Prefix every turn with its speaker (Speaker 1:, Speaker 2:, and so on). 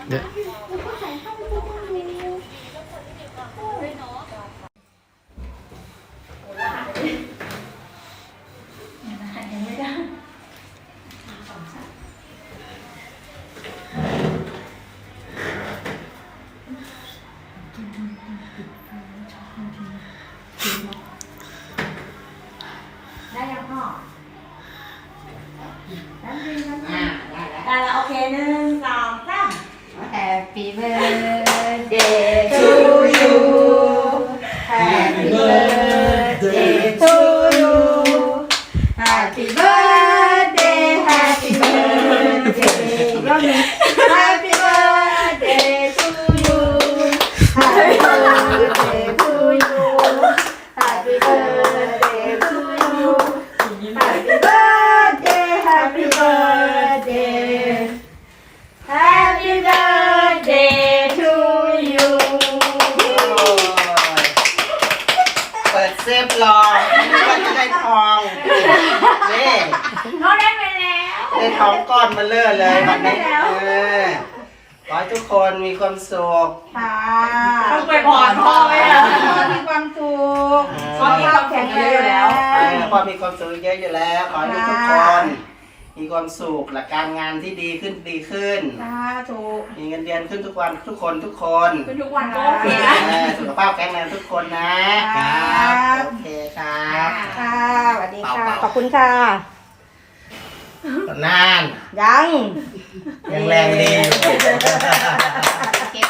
Speaker 1: เดี๋ยว
Speaker 2: ได้ยังพ่อได้แล้วโอเค1 2 3 Happy birthday to you Happy birthday to you Happy birthday Happy birthday อีกรอบหนึ่ง Happy birthday to you Happy birthday to you Happy birthday to you Happy birthday Happy birthday Happy birthday to you
Speaker 3: เปิดเซฟรอว่าจะได้ทองนี่
Speaker 2: เขาได้ไปแล้ว
Speaker 3: ได้ทองก้อนมาเลื่อเลยวันนี้
Speaker 2: ได้แล้ว
Speaker 3: ขอให้ทุกคนมีความสุข
Speaker 2: ค่ะ
Speaker 4: ต้องไปพรพ่อไหมอะ
Speaker 2: พ่อมีความสุข
Speaker 4: พ่อมีความสุขเยอะอยู่แล้ว
Speaker 3: พอมีความสุขเยอะอยู่แล้วขอให้ทุกคน มีความสุขและการงานที่ดีขึ้น
Speaker 2: สาธุ
Speaker 3: มีเงินเดือนขึ้นทุกวันทุกคน
Speaker 4: เป็นทุกวันก็โอเคนะ
Speaker 3: สุขภาพแข็งแรงทุกคนนะครับโอเคครับ
Speaker 2: ค่ะสวัสดีค่ะ ขอบคุณค่ะ
Speaker 3: นาน
Speaker 2: ยัง
Speaker 3: ยังแรงดีอยู่